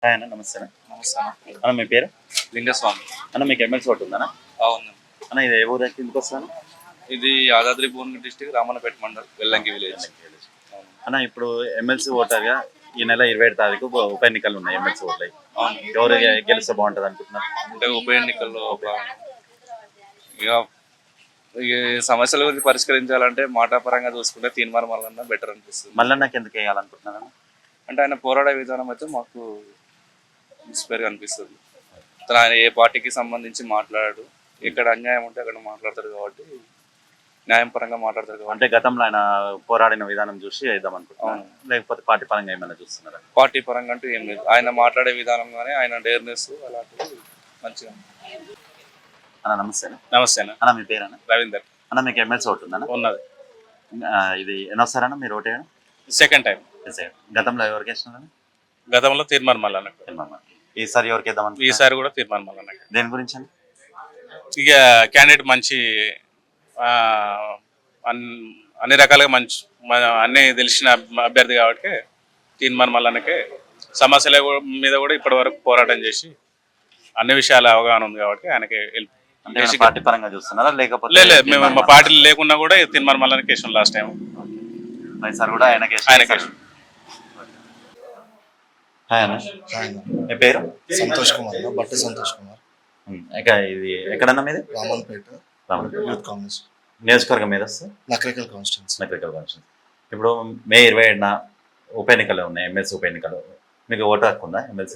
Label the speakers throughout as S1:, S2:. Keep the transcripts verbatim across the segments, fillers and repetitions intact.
S1: Hi అన్న, నమస్తే అన్న.
S2: నమస్తే అన్న.
S1: అన్న మీ పేరు?
S2: లింగస్వామి.
S1: అన్న మీకు ఎమ్మెల్సీ ఓటు ఉందన్న?
S2: అవును.
S1: అన్న ఇది ఏ ఊరు ఎందుకు వస్తాను?
S2: ఇది యాదాద్రి భువనగిరి డిస్టిక్ రామన్నపేట మండల్ వెల్లంకి విలేజ్.
S1: అన్న ఇప్పుడు ఎమ్మెల్సీ ఓటర్గా ఈ నెల ఇరవై ఏడు తారీఖు ఉప ఎన్నికలు ఉన్నాయి. ఎమ్మెల్సీ ఓట్లు
S2: అవును.
S1: ఎవరు గెలిస్తే బాగుంటుంది అనుకుంటున్నారు?
S2: అంటే ఉప ఎన్నికల్లో ఇక ఈ సమస్యల గురించి పరిష్కరించాలంటే మాటాపరంగా చూసుకుంటే తీన్మార్ మల్లన్న బెటర్ అనిపిస్తుంది.
S1: మల్లన్నకి ఎందుకు వేయాలనుకుంటున్నాను
S2: అంటే ఆయన పోరాడే విధానం అయితే మాకు ఇన్స్పైర్గా అనిపిస్తుంది. అతను ఆయన ఏ పార్టీకి సంబంధించి మాట్లాడాడు, ఎక్కడ అన్యాయం ఉంటే అక్కడ మాట్లాడతాడు కాబట్టి న్యాయం పరంగా మాట్లాడతాడు కాబట్టి.
S1: అంటే గతంలో ఆయన పోరాడిన విధానం చూసి వేద్దాం అనుకుంటున్నాను, లేకపోతే పార్టీ పరంగా ఏమైనా చూస్తున్నారా?
S2: పార్టీ పరంగా అంటూ ఏం లేదు, ఆయన మాట్లాడే విధానం కానీ ఆయన డేర్నెస్ అలాంటివి మంచిగా.
S1: అన్న నమస్తే.
S2: నమస్తే అన్న.
S1: అన్న మీ పేరు అన్న?
S2: రవీందర్.
S1: అన్న మీకు ఎమ్మెల్సీ ఓటు ఉందన్న?
S2: ఉన్నది.
S1: ఇది ఎన్నోసారన్న మీరు ఓటు వేయడం?
S2: Second time.
S1: గతంలో ఎవరికి వేసినారన్న?
S2: గతంలో తీర్మార్ మల్లన్న.
S1: ఈసారి ఎవరికి వేద్దాం?
S2: ఈసారి కూడా తీర్మార్ మల్లన్న.
S1: దేని గురించి అండి?
S2: ఇక క్యాండిడేట్ మంచి అన్ని రకాలుగా మంచి అన్ని తెలిసిన అభ్యర్థి కాబట్టి తీర్మార్ మల్లన్నకే సమస్యల మీద కూడా ఇప్పటి వరకు పోరాటం చేసి అన్ని విషయాల అవగాహన ఉంది కాబట్టి ఆయనకి
S1: పార్టీ పరంగా చూస్తున్నారా లేకపోతే?
S2: లేదు, మేము మా పార్టీలు లేకున్నా కూడా తీర్మార్ మల్లన్నకి వేసాం లాస్ట్ టైం.
S1: ఈసారి కూడా ఆయనకి
S2: ఆయనకి.
S1: హాయ్ అన్న, మీ పేరు?
S3: సంతోష్ కుమార్. బట్టి సంతోష్ కుమార్.
S1: ఇది ఎక్కడన్నా మీది?
S3: రామన్పేట యూత్ కాంగ్రెస్
S1: నియోజకవర్గం మీద వస్తే
S3: నకరికల్ కాన్స్టిట్యూన్సీ.
S1: నకరికల్ కాన్స్టిట్యూన్సీ. ఇప్పుడు మే ఇరవై ఏడున ఉప ఎన్నికలు ఉన్నాయి, ఎమ్మెల్సీ ఉప ఎన్నికలు. మీకు ఓటు హక్కు ఉందా ఎమ్మెల్సీ?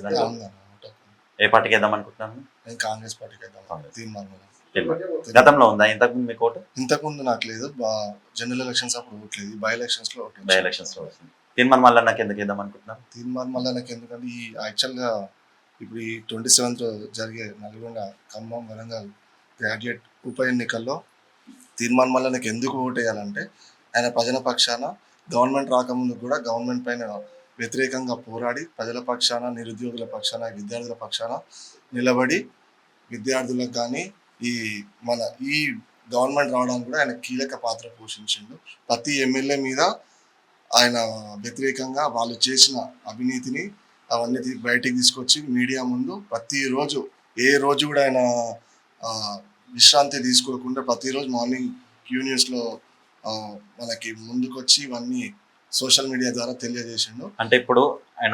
S1: ఏ పార్టీకి వేద్దాం అనుకుంటున్నాను?
S3: నేను కాంగ్రెస్ పార్టీకి వేద్దాం. తీర్మార్
S1: గతంలో ఉందా ఇంతకుముందు మీకు ఓటు?
S3: ఇంతకుముందు నాకు లేదు, జనరల్ ఎలక్షన్స్ అప్పుడు ఓట్లేదు, బై ఎలక్షన్స్ లో ఓటు.
S1: బై ఎలక్షన్స్ లో వస్తుంది. తీర్మార్ మల్లన్నకి ఎందుకు వేద్దాం అనుకుంటున్నాను?
S3: తీర్మార్ మల్లన్నకి ఎందుకంటే ఈ యాక్చువల్గా ఇప్పుడు ఈ ట్వంటీ సెవెంత్ జరిగే నల్గొండ, ఖమ్మం, వరంగల్ గ్రాడ్యుయేట్ ఉప ఎన్నికల్లో తీర్మార్ మల్లన్నకి ఎందుకు ఓటు వేయాలంటే ఆయన ప్రజల పక్షాన గవర్నమెంట్ రాకముందు కూడా గవర్నమెంట్ పైన వ్యతిరేకంగా పోరాడి ప్రజల పక్షాన, నిరుద్యోగుల పక్షాన, విద్యార్థుల పక్షాన నిలబడి విద్యార్థులకు కానీ ఈ మన ఈ గవర్నమెంట్ రావడానికి కూడా ఆయన కీలక పాత్ర పోషించిండు. ప్రతి ఎమ్మెల్యే మీద ఆయన వ్యతిరేకంగా వాళ్ళు చేసిన అవినీతిని అవన్నీ బయటికి తీసుకొచ్చి మీడియా ముందు ప్రతిరోజు, ఏ రోజు కూడా ఆయన విశ్రాంతి తీసుకోకుండా ప్రతిరోజు మార్నింగ్ క్యూ న్యూస్లో మనకి ముందుకొచ్చి ఇవన్నీ సోషల్ మీడియా ద్వారా తెలియజేసిండు.
S1: అంటే ఇప్పుడు ఆయన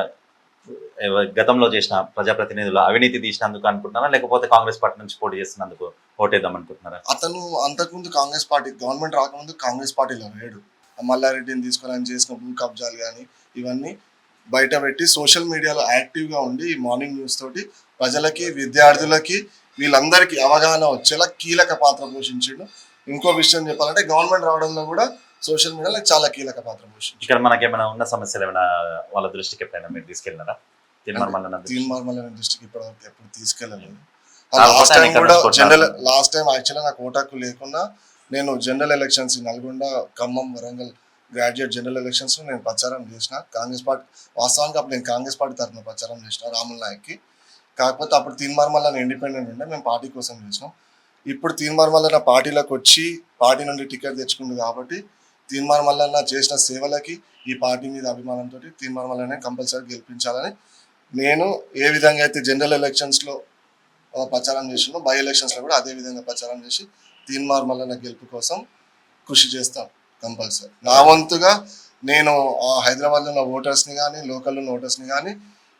S1: గతంలో చేసిన ప్రజాప్రతినిధులు అవినీతి తీసినందుకు అనుకుంటున్నారా లేకపోతే కాంగ్రెస్ పార్టీ నుంచి పోటీ చేస్తున్నందుకు ఓటేద్దాం అనుకుంటున్నారా?
S3: అతను అంతకుముందు కాంగ్రెస్ పార్టీ, గవర్నమెంట్ రాకముందు కాంగ్రెస్ పార్టీలో లేడు. మల్లారెడ్డిని తీసుకొని ఆయన చేసిన భూ కబ్జాలు కానీ ఇవన్నీ బయట పెట్టి సోషల్ మీడియాలో యాక్టివ్గా ఉండి మార్నింగ్ న్యూస్ తోటి ప్రజలకి, విద్యార్థులకి, వీళ్ళందరికీ అవగాహన వచ్చేలా కీలక పాత్ర పోషించాడు. ఇంకో విషయం చెప్పాలంటే గవర్నమెంట్ రావడంలో కూడా సోషల్ మీడియాలో చాలా కీలక పాత్ర పోషించాడు.
S1: ఇక్కడ మనకి ఏమైనా ఉన్న సమస్యలు ఏమైనా వాళ్ళ దృష్టికి ఎప్పుడైనా మీరు తీసుకెళ్ళినారా? తీర్మార్ మల్లన్న
S3: తీర్మార్ మల్లన్న దృష్టికి ఇప్పటివరకు ఎప్పుడు తీసుకెళ్ళలేదు. లాస్ట్ టైం కూడా జనరల్ లాస్ట్ టైం యాక్చువల్గా నాకు ఓటాకు లేకుండా నేను general elections Nalgonda, Khammam, Warangal graduate general elections నేను ప్రచారం చేసిన. కాంగ్రెస్ పార్టీ వాస్తవానికి అప్పుడు నేను కాంగ్రెస్ పార్టీ తరఫున ప్రచారం చేసిన రాముల్ నాయక్కి. కాకపోతే అప్పుడు తీన్మార్ మల్లన్న ఇండిపెండెంట్ ఉండే, మేము పార్టీ కోసం చేసినాం. ఇప్పుడు తీన్మార్ మల్లన్న పార్టీలోకి వచ్చి పార్టీ నుండి టికెట్ తెచ్చుకుంది కాబట్టి తీన్మార్ మల్లన్న చేసిన సేవలకి ఈ పార్టీ మీద అభిమానంతో తీన్మార్ మల్లన్న కంపల్సరీ గెలిపించాలని నేను ఏ విధంగా అయితే జనరల్ ఎలక్షన్స్లో ప్రచారం చేసినో బై ఎలక్షన్స్లో కూడా అదే విధంగా ప్రచారం చేసి తీన్మార్ మల్లన్న గెలుపు కోసం కృషి చేస్తాను కంపల్సరీ. నా వంతుగా నేను హైదరాబాద్లో ఉన్న ఓటర్స్ని కానీ లోకల్లో ఉన్న ఓటర్స్ని కానీ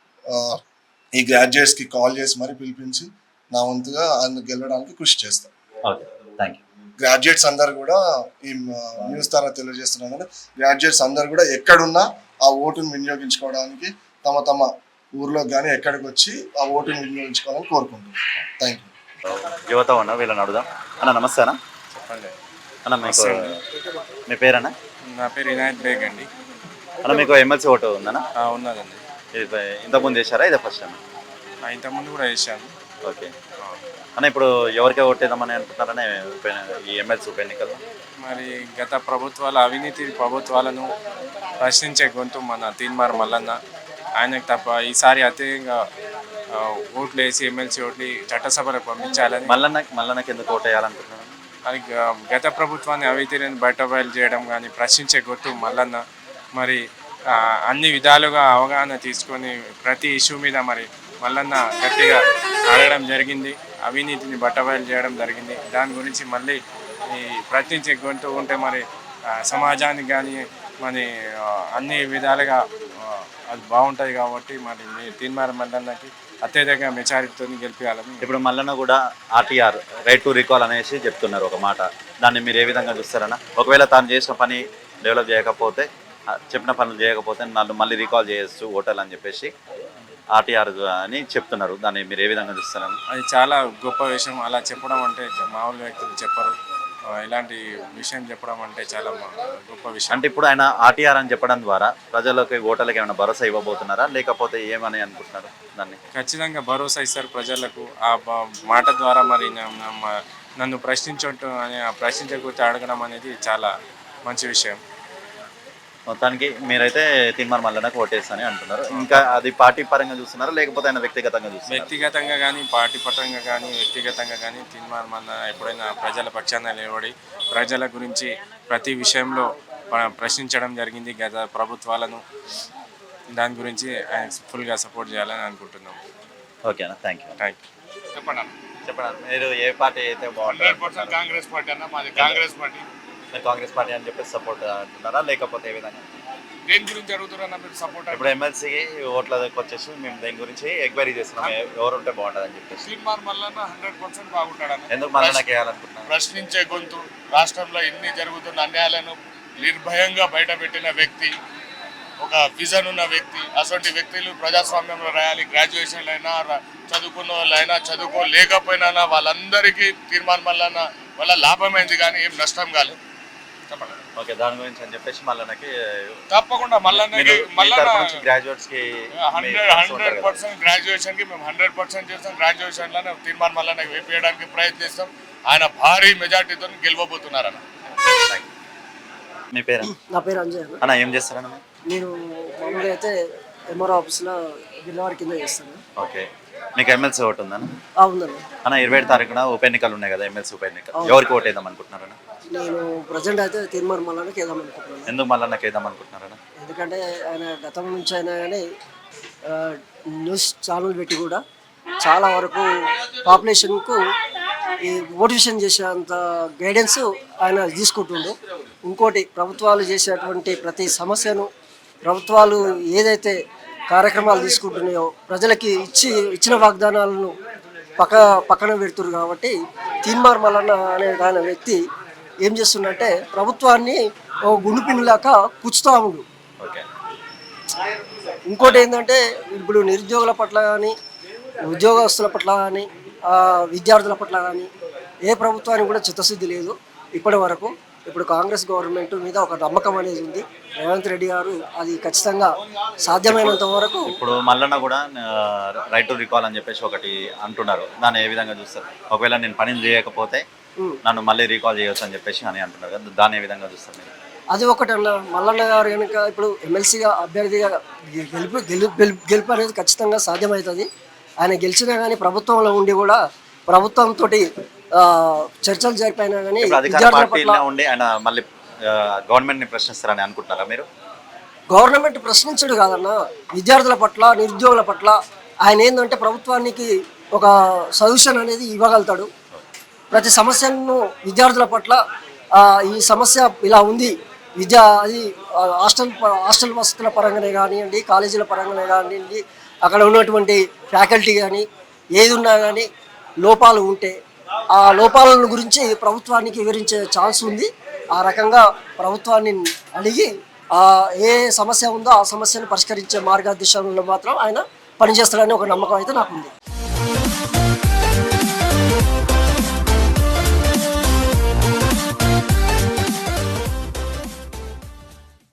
S3: ఈ గ్రాడ్యుయేట్స్కి కాల్ చేసి మరీ పిలిపించి నా వంతుగా ఆయన గెలవడానికి కృషి చేస్తాను. గ్రాడ్యుయేట్స్ అందరు కూడా ఈ న్యూస్ ద్వారా తెలియజేస్తున్నాను, గ్రాడ్యుయేట్స్ అందరు కూడా ఎక్కడున్నా ఆ ఓటును వినియోగించుకోవడానికి తమ తమ ఊర్లో కానీ ఎక్కడికి వచ్చి ఆ ఓటును వినియోగించుకోవాలని కోరుకుంటున్నాను. Thank you.
S1: యువత ఉన్నా వీళ్ళని అడుగుదాం. అన్న నమస్తే అన్న.
S2: చెప్పండి
S1: అన్న, మీకు మీ పేరన్నా?
S2: నా పేరు ఇనాయత్ బేగ్ అండి.
S1: అన్న మీకు ఎమ్మెల్సీ ఓటు ఉందన్నా?
S2: ఉన్నదండి.
S1: ఇంతకుముందు చేశారా ఇదే ఫస్ట్ టైం?
S2: ఇంతకుముందు కూడా వేసాను.
S1: ఓకే అన్న, ఇప్పుడు ఎవరికే ఓటేద్దామని అనుకుంటున్నారనే ఈ ఎమ్మెల్సీ ఉప ఎన్నికల్లో?
S2: మరి గత ప్రభుత్వాల అవినీతి ప్రభుత్వాలను ప్రశ్నించే గొంతు మన తీన్మార్ మల్లన్న. ఆయనకు తప్ప ఈసారి అత్యధికంగా ఓట్లు వేసి ఎమ్మెల్సీ ఓట్లు చట్టసభలకు పంపించాలని.
S1: మల్లన్న మల్లన్నకి ఎందుకు ఓటు వేయాలనుకుంటున్నాను?
S2: అది గత ప్రభుత్వాన్ని అవినీతిని బయట బయలు చేయడం కానీ ప్రశ్నించే గొంతు మల్లన్న. మరి ఆ, అన్ని విధాలుగా అవగాహన తీసుకొని ప్రతి ఇష్యూ మీద మరి మల్లన్న గట్టిగా అడగడం జరిగింది, అవినీతిని బట్టబయలు చేయడం జరిగింది. దాని గురించి మళ్ళీ ఈ ప్రశ్నించే గొంతు ఉంటే మరి ఆ, సమాజానికి కానీ మరి ఆ, అన్ని విధాలుగా ఆ, అది బాగుంటుంది కాబట్టి మరి మీ తీన్మార్ మల్లన్నకి అత్యధిక మెచారిటీతో గెలిపించాలని.
S1: ఇప్పుడు మల్లన్న కూడా ఆర్టీఆర్ రైట్ టు రికాల్ అనేసి చెప్తున్నారు ఒక మాట, దాన్ని మీరు ఏ విధంగా చూస్తారన్నా? ఒకవేళ తాను చేసిన పని డెవలప్ చేయకపోతే, ఆ, చెప్పిన పనులు చేయకపోతే నన్ను మళ్ళీ రీకాల్ చేయొచ్చు ఓటర్లు అని చెప్పేసి ఆర్టీఆర్ అని చెప్తున్నారు, దాన్ని మీరు ఏ విధంగా చూస్తారన్నా?
S2: అది చాలా గొప్ప విషయం. అలా చెప్పడం అంటే మామూలు వ్యక్తులు చెప్పరు. ఆ, ఇలాంటి విషయం చెప్పడం అంటే చాలా మా- గొప్ప విషయం.
S1: అంటే ఇప్పుడు ఆయన ఆర్టీఆర్ అని చెప్పడం ద్వారా ప్రజలకు ఓటర్లకు ఏమైనా భరోసా ఇవ్వబోతున్నారా, లేకపోతే ఏమని అనుకుంటున్నారు దాన్ని?
S2: ఖచ్చితంగా భరోసా ఇస్తారు ప్రజలకు. ఆ బ- మాట ద్వారా మరి నా- నా- మ- నన్ను ప్రశ్నించటం అని ఆ ప్రశ్నించకపోతే అడగడం అనేది చాలా మంచి విషయం.
S1: మొత్తానికి మీరైతే తీన్మార్ మల్లన్నకు ఓటేస్తానని అంటున్నారు. ఇంకా అది పార్టీ పరంగా చూస్తున్నారా, లేకపోతే ఆయన వ్యక్తిగతంగా చూస్తున్నారు?
S2: వ్యక్తిగతంగా కానీ పార్టీ పరంగా కానీ వ్యక్తిగతంగా కానీ తీన్మార్ మల్లన్న ఎప్పుడైనా ప్రజల పక్షాన నిలబడి ప్రజల గురించి ప్రతి విషయంలో ప్ర- ప్రశ్నించడం జరిగింది గత ప్రభుత్వాలను. దాని గురించి ఆయన ఫుల్గా సపోర్ట్ చేయాలని అనుకుంటున్నాం.
S1: ఓకేనా, థ్యాంక్ యూ.
S2: Thank you.
S4: చెప్పండి అన్న.
S1: చెప్పండి, మీరు ఏ పార్టీ అయితే బాగుంటుంది?
S4: హండ్రెడ్ పర్సెంట్ కాంగ్రెస్ పార్టీ అన్న, మాది కాంగ్రెస్ పార్టీ.
S1: మీరు కాంగ్రెస్ పార్టీ అని చెప్పేసి సపోర్ట్ అంటున్నారా, లేకపోతే ఏ విధంగా?
S4: దేని గురించి అడుగుతారన్న మీరు సపోర్ట్?
S1: ఇప్పుడు ఎమ్మెల్సీకి ఓట్ల దగ్గరకు వచ్చేసి మేము దేని గురించి ఎంక్వైరీ చేస్తున్నాం, ఎ- ఎవరు ఉంటే బాగుంటుంది అని చెప్పేసి.
S4: తీన్మార్ మల్లన్న హండ్రెడ్ పర్సెంట్ బాగుంటాడన్న.
S1: ఎందుకు మల్లన్నకి వేయాలనుకుంటున్నారు?
S4: ప్రశ్నించే గొంతు, రాష్ట్రంలో ఎన్ని జరుగుతున్న అన్యాయాలను నిర్భయంగా బయటపెట్టిన వ్యక్తి, ఒక విజన్ ఉన్న వ్యక్తి. అటువంటి వ్యక్తులు ప్రజాస్వామ్యంలో రాయాలి. గ్రాడ్యుయేషన్లు అయినా ర- చదువుకున్న వాళ్ళైనా చదువుకోలేకపోయినా వాళ్ళందరికీ తీర్మానం మల్లన్న వల్ల లాభమైంది కానీ ఏం నష్టం కాలేదు. చెప్పండి.
S1: ఓకే, దాని గురించి అని చెప్పేసి మల్లన్నకి
S4: తప్పకుండా మల్లన్నకి మల్లన్న
S1: గ్రాడ్యుయేట్స్ కి
S4: హండ్రెడ్ హండ్రెడ్ పర్సెంట్ గ్రాడ్యుయేషన్ కి మేము హండ్రెడ్ పర్సెంట్ చేస్తాం. గ్రాడ్యుయేషన్ లోనే తీర్మానం మల్లన్న వేపేయడానికి ప్రయత్నిస్తాం. ఆయన భారీ మెజార్టీతో గెలవబోతున్నారన్న.
S1: మీ పేరు?
S5: నా పేరు అంజయ్ అన్న.
S1: అన్న ఏం చేస్తారన్న?
S5: నేను మామూలుగా అయితే ఎంఆర్ఓ ఆఫీస్లో బిల్లవారి కింద చేస్తాను.
S1: ఓకే, మీకు ఎమ్మెల్సీ ఓటు ఉందన్న?
S5: ఆ, ఉందన్న.
S1: అన్న ఇరవై ఏడు తారీఖున ఉప ఎన్నికలు ఉన్నాయి కదా, ఎమ్మెల్సీ ఉప ఎన్నికలు, ఎవరికి ఓటు వేద్దాం అనుకుంటున్నారన్న?
S5: నేను ప్రజెంట్ అయితే తీర్మానం మళ్ళానికి వేద్దాం అనుకుంటున్నాను.
S1: ఎందుకు మల్లన్నకి వేద్దాం అనుకుంటున్నారన్న?
S5: ఎందుకంటే ఆయన గతం నుంచి అయినా కానీ ఆ, న్యూస్ ఛానల్ పెట్టి కూడా చాలా వరకు పాపులేషన్కు ఈ మోటివేషన్ చేసేంత గైడెన్స్ ఆయన తీసుకుంటుండు. ఇంకోటి, ప్రభుత్వాలు చేసేటువంటి ప్రతి సమస్యను ప్రభుత్వాలు ఏదైతే కార్యక్రమాలు తీసుకుంటున్నాయో ప్రజలకి ఇచ్చి ఇచ్చిన వాగ్దానాలను పక్క పక్కన పెడుతున్నారు. కాబట్టి తీన్మార్ మల్లన్న అనే ఆయన వ్యక్తి ఏం చేస్తుండంటే ప్రభుత్వాన్ని ఓ గుండు పిన్నులాక కుచ్చుతా ఉండు.
S1: ఓకే,
S5: ఇంకోటి ఏంటంటే ఇప్పుడు నిరుద్యోగుల పట్ల కానీ ఉద్యోగస్తుల పట్ల కానీ విద్యార్థుల పట్ల కానీ ఏ ప్రభుత్వానికి కూడా చిత్తశుద్ధి లేదు ఇప్పటి వరకు. ఇప్పుడు కాంగ్రెస్ గవర్నమెంట్ మీద ఒక నమ్మకం అనేది ఉంది. రేవంత్ రెడ్డి గారు అది ఖచ్చితంగా సాధ్యమైనంత వరకు.
S1: ఇప్పుడు మల్లన్న కూడా రైట్ టు రికాల్ అని చెప్పేసి ఒకటి అంటున్నారు, దాన్ని ఏ విధంగా చూస్తారు? ఒకవేళ నేను పని చేయకపోతే నన్ను మళ్ళీ రీకాల్ చేయొచ్చు అని చెప్పేసి అని అంటున్నారు కదా, దాన్ని ఏ విధంగా చూస్తారు మీరు?
S5: అది ఒకటి అన్న. మల్లన్న గారు కనుక ఇప్పుడు ఎమ్మెల్సీగా అభ్యర్థిగా గెలుపు గెలుపు గెలుపు గెలుపు అనేది ఖచ్చితంగా సాధ్యమవుతుంది. ఆయన గెలిచినా కానీ ప్రభుత్వంలో ఉండి కూడా ప్రభుత్వంతో చర్చలు జరిపినా కానీ
S1: ఇప్పుడు అధికార
S5: విద్యార్థుల పట్ల
S1: పార్టీలో ఉండి ఆయన మళ్ళీ గవర్నమెంట్ ని ప్రశ్నిస్తారని అనుకుంటున్నారా మీరు?
S5: గవర్నమెంట్ ప్రశ్నించడు కాదన్న, విద్యార్థుల పట్ల నిరుద్యోగుల పట్ల ఆయన ఏంటంటే ప్రభుత్వానికి ఒక సొల్యూషన్ అనేది ఇవ్వగలుగుతాడు. ప్రతి సమస్యను విద్యార్థుల పట్ల ఆ, ఈ సమస్య ఇలా ఉంది, విద్యా అది ఆ, హాస్టల్ ప- హాస్టల్ వసతుల పరంగానే కానివ్వండి, కాలేజీల పరంగానే కానివ్వండి, అక్కడ ఉన్నటువంటి ఫ్యాకల్టీ కానీ ఏది ఉన్నా కానీ లోపాలు ఉంటే ఆ లోపాలను గురించి ప్రభుత్వానికి వివరించే ఛాన్స్ ఉంది. ఆ రకంగా ప్రభుత్వాన్ని అడిగి ఆ ఏ సమస్య ఉందో ఆ సమస్యను పరిష్కరించే మార్గదర్శనంలో మాత్రం ఆయన పనిచేస్తాడని ఒక నమ్మకం అయితే నాకు ఉంది.